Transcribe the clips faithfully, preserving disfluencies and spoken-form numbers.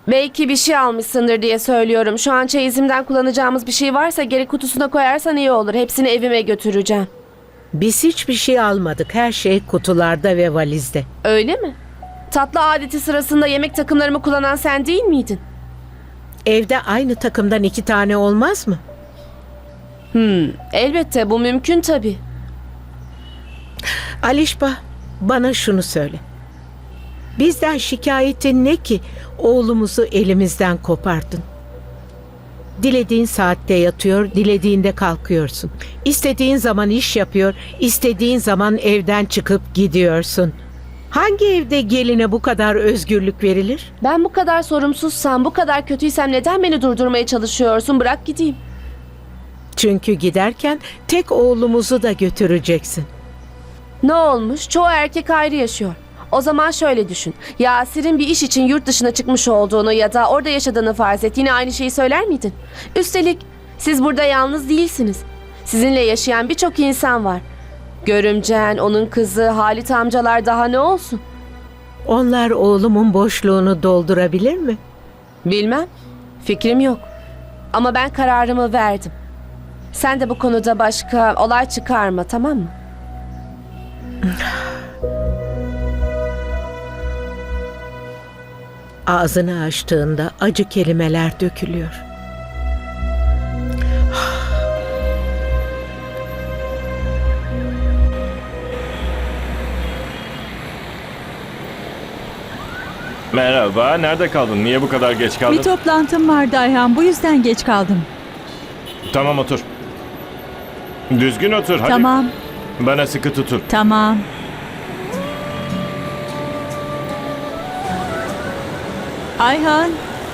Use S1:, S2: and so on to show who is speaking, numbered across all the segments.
S1: Belki bir şey almışsındır diye söylüyorum. Şu an çeyizimden kullanacağımız bir şey varsa geri kutusuna koyarsan iyi olur. Hepsini evime götüreceğim.
S2: Biz hiçbir şey almadık. Her şey kutularda ve valizde.
S1: Öyle mi? Tatlı adeti sırasında yemek takımlarımı kullanan sen değil miydin?
S2: Evde aynı takımdan iki tane olmaz mı?
S1: Hmm, elbette bu mümkün tabii.
S2: Alişba, bana şunu söyle. Bizden şikayetin ne ki oğlumuzu elimizden kopardın? Dilediğin saatte yatıyor, dilediğinde kalkıyorsun. İstediğin zaman iş yapıyor, istediğin zaman evden çıkıp gidiyorsun. Hangi evde geline bu kadar özgürlük verilir?
S1: Ben bu kadar sorumsuzsam, bu kadar kötüysem neden beni durdurmaya çalışıyorsun? Bırak gideyim.
S2: Çünkü giderken tek oğlumuzu da götüreceksin.
S1: Ne olmuş? Çoğu erkek ayrı yaşıyor. O zaman şöyle düşün. Yasir'in bir iş için yurt dışına çıkmış olduğunu ya da orada yaşadığını farz et. Yine aynı şeyi söyler miydin? Üstelik siz burada yalnız değilsiniz. Sizinle yaşayan birçok insan var. Görümcen, onun kızı, Halit amcalar daha ne olsun?
S2: Onlar oğlumun boşluğunu doldurabilir mi?
S1: Bilmem. Fikrim yok. Ama ben kararımı verdim. Sen de bu konuda başka olay çıkarma, tamam mı?
S2: Ağzını açtığında acı kelimeler dökülüyor.
S3: Merhaba, nerede kaldın? Niye bu kadar geç kaldın?
S4: Bir toplantım vardı Ayhan, bu yüzden geç kaldım.
S3: Tamam otur. Düzgün otur hadi.
S4: Tamam,
S3: Bana sıkı tutun.
S4: tamam. Ayhan,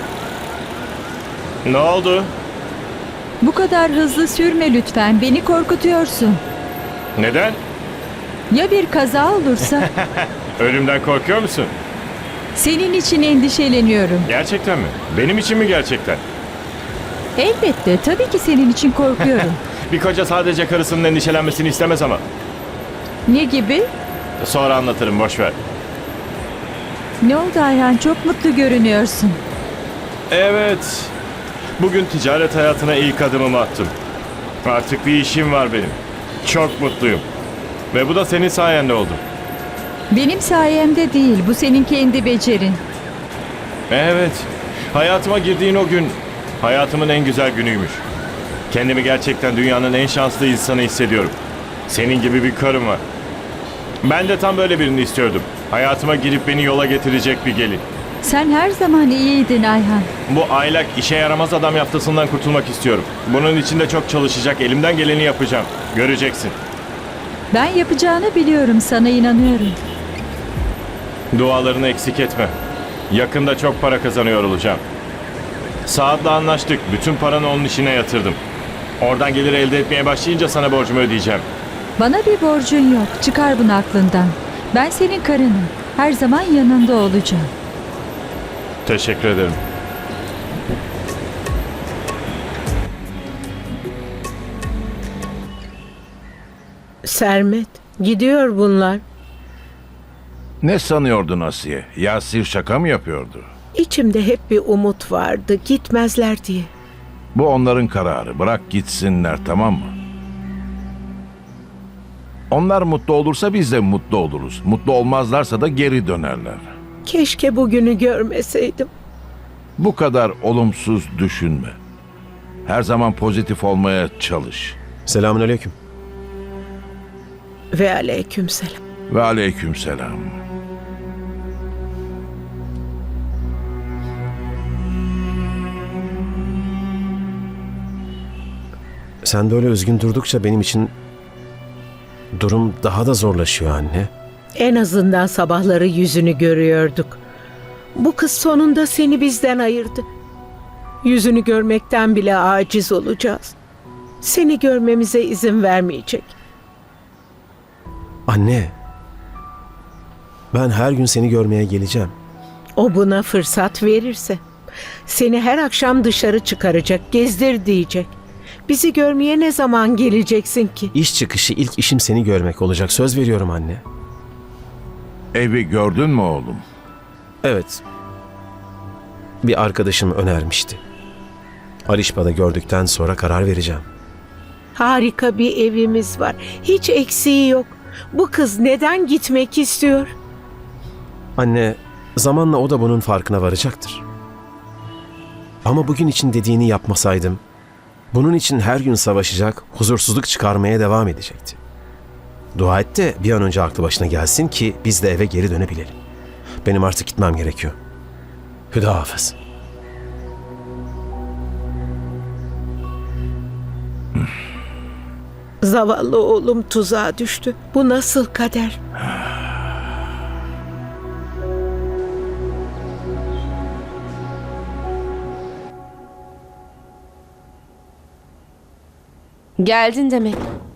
S3: Ne oldu?
S4: bu kadar hızlı sürme lütfen, beni korkutuyorsun.
S3: Neden?
S4: Ya bir kaza olursa?
S3: Ölümden korkuyor musun?
S4: Senin için endişeleniyorum.
S3: Gerçekten mi? Benim için mi gerçekten?
S4: Elbette, tabii ki senin için korkuyorum.
S3: Bir koca sadece karısının endişelenmesini istemez ama.
S4: Ne gibi?
S3: Sonra anlatırım, boş ver.
S4: Ne oldu Ayhan, çok mutlu görünüyorsun.
S3: Evet. Bugün ticaret hayatına ilk adımımı attım. Artık bir işim var benim. Çok mutluyum. Ve bu da senin sayende oldu.
S4: Benim sayemde değil, bu senin kendi becerin.
S3: Evet. Hayatıma girdiğin o gün hayatımın en güzel günüymüş. Kendimi gerçekten dünyanın en şanslı insanı hissediyorum. Senin gibi bir karım var. Ben de tam böyle birini istiyordum. Hayatıma girip beni yola getirecek bir gelin.
S4: Sen her zaman iyiydin Ayhan.
S3: Bu aylak işe yaramaz adam yaftasından kurtulmak istiyorum. Bunun için de çok çalışacak, elimden geleni yapacağım. Göreceksin.
S4: Ben yapacağını biliyorum, sana inanıyorum.
S3: Dualarını eksik etme. Yakında çok para kazanıyor olacağım. Saat'le anlaştık. Bütün paranı onun işine yatırdım. Oradan gelir elde etmeye başlayınca sana borcumu ödeyeceğim.
S4: Bana bir borcun yok. Çıkar bunu aklından. Ben senin karınım. Her zaman yanında olacağım.
S3: Teşekkür ederim.
S2: Sermet, gidiyor bunlar.
S5: Ne sanıyordun Asiye? Yasir şaka mı yapıyordu?
S2: İçimde hep bir umut vardı, gitmezler diye.
S5: Bu onların kararı. Bırak gitsinler, tamam mı? Onlar mutlu olursa biz de mutlu oluruz. Mutlu olmazlarsa da geri dönerler.
S2: Keşke bugünü görmeseydim.
S5: Bu kadar olumsuz düşünme. Her zaman pozitif olmaya çalış.
S6: Selamünaleyküm.
S2: Ve aleykümselam.
S5: Ve aleykümselam.
S6: Sen böyle üzgün durdukça benim için durum daha da zorlaşıyor anne.
S2: En azından sabahları yüzünü görüyorduk. Bu kız sonunda seni bizden ayırdı. Yüzünü görmekten bile aciz olacağız. Seni görmemize izin vermeyecek.
S6: Anne, ben her gün seni görmeye geleceğim.
S2: O buna fırsat verirse. Seni her akşam dışarı çıkaracak, gezdir diyecek. Bizi görmeye ne zaman geleceksin ki?
S6: İş çıkışı ilk işim seni görmek olacak. Söz veriyorum anne.
S5: Evi gördün mü oğlum?
S6: Evet. bir arkadaşım önermişti. Arişba'da gördükten sonra karar vereceğim.
S2: Harika bir evimiz var. Hiç eksiği yok. Bu kız neden gitmek istiyor?
S6: Anne, zamanla o da bunun farkına varacaktır. Ama bugün için dediğini yapmasaydım, bunun için her gün savaşacak, huzursuzluk çıkarmaya devam edecekti. Dua et de bir an önce aklı başına gelsin ki biz de eve geri dönebilelim. Benim artık gitmem gerekiyor. Hüda hafız.
S2: Zavallı oğlum tuzağa düştü. Bu nasıl kader?
S1: Geldin demek.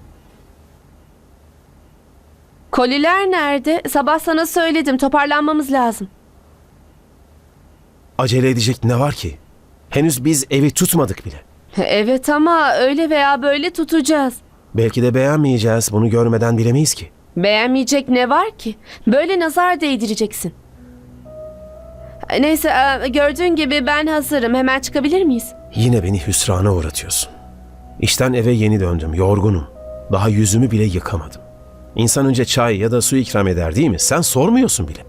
S1: Koliler nerede? Sabah sana söyledim. Toparlanmamız lazım.
S6: Acele edecek ne var ki? Henüz biz evi tutmadık bile.
S1: Evet ama öyle veya böyle tutacağız.
S6: Belki de beğenmeyeceğiz. Bunu görmeden bilemeyiz ki.
S1: Beğenmeyecek ne var ki? Böyle nazar değdireceksin. Neyse e, gördüğün gibi ben hazırım. Hemen çıkabilir miyiz?
S6: Yine beni hüsrana uğratıyorsun. İşten eve yeni döndüm. Yorgunum. Daha yüzümü bile yıkamadım. İnsan önce çay ya da su ikram eder değil mi? Sen sormuyorsun bile.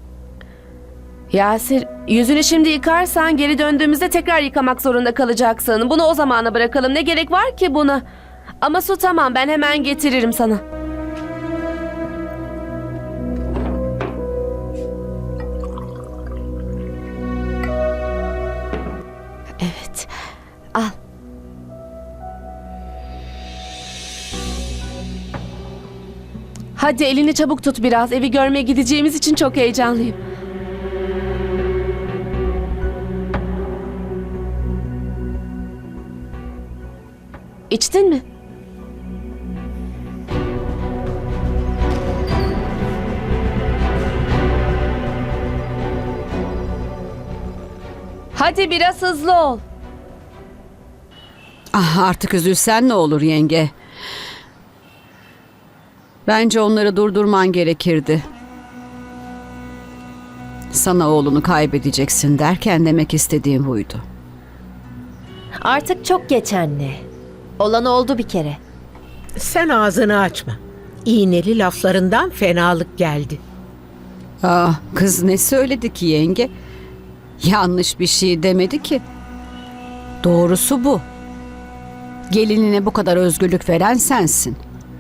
S1: Yasir, yüzünü şimdi yıkarsan geri döndüğümüzde tekrar yıkamak zorunda kalacaksın. Bunu o zamana bırakalım. Ne gerek var ki buna? Ama su tamam, ben hemen getiririm sana. Evet, al. Hadi elini çabuk tut biraz. Evi görmeye gideceğimiz için çok heyecanlıyım. İçtin mi? Hadi biraz hızlı ol.
S7: Ah, artık üzülsen ne olur yenge. Bence onları durdurman gerekirdi. Sana oğlunu kaybedeceksin derken demek istediğim buydu.
S8: Artık çok geç anne. Olan oldu bir kere.
S2: Sen ağzını açma. İğneli laflarından fenalık geldi.
S7: Ah, kız ne söyledi ki yenge? Yanlış bir şey demedi ki. Doğrusu bu. Gelinine bu kadar özgürlük veren sensin.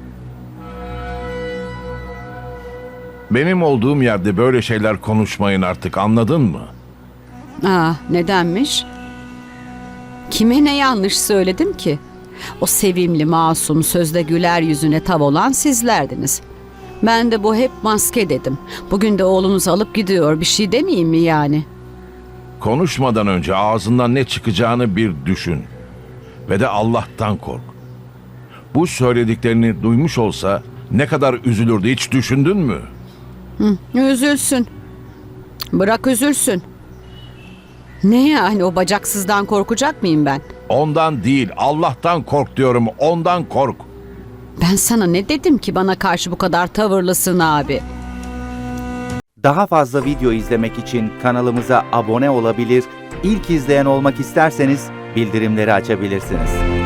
S5: Benim olduğum yerde böyle şeyler konuşmayın artık, anladın mı?
S7: Ah, nedenmiş? Kime ne yanlış söyledim ki? O sevimli, masum, sözde güler yüzüne tav olan sizlerdiniz. Ben de bu hep maske dedim. Bugün de oğlunuzu alıp gidiyor, bir şey demeyeyim mi yani?
S5: Konuşmadan önce ağzından ne çıkacağını bir düşün. Ve de Allah'tan kork. Bu söylediklerini duymuş olsa ne kadar üzülürdü, hiç düşündün mü?
S7: Hı, üzülsün. Bırak üzülsün. Ne yani, o bacaksızdan korkacak mıyım ben?
S5: Ondan değil, Allah'tan kork diyorum, ondan kork.
S7: Ben sana ne dedim ki bana karşı bu kadar tavırlısın abi?
S9: Daha fazla video izlemek için kanalımıza abone olabilir, ilk izleyen olmak isterseniz bildirimleri açabilirsiniz.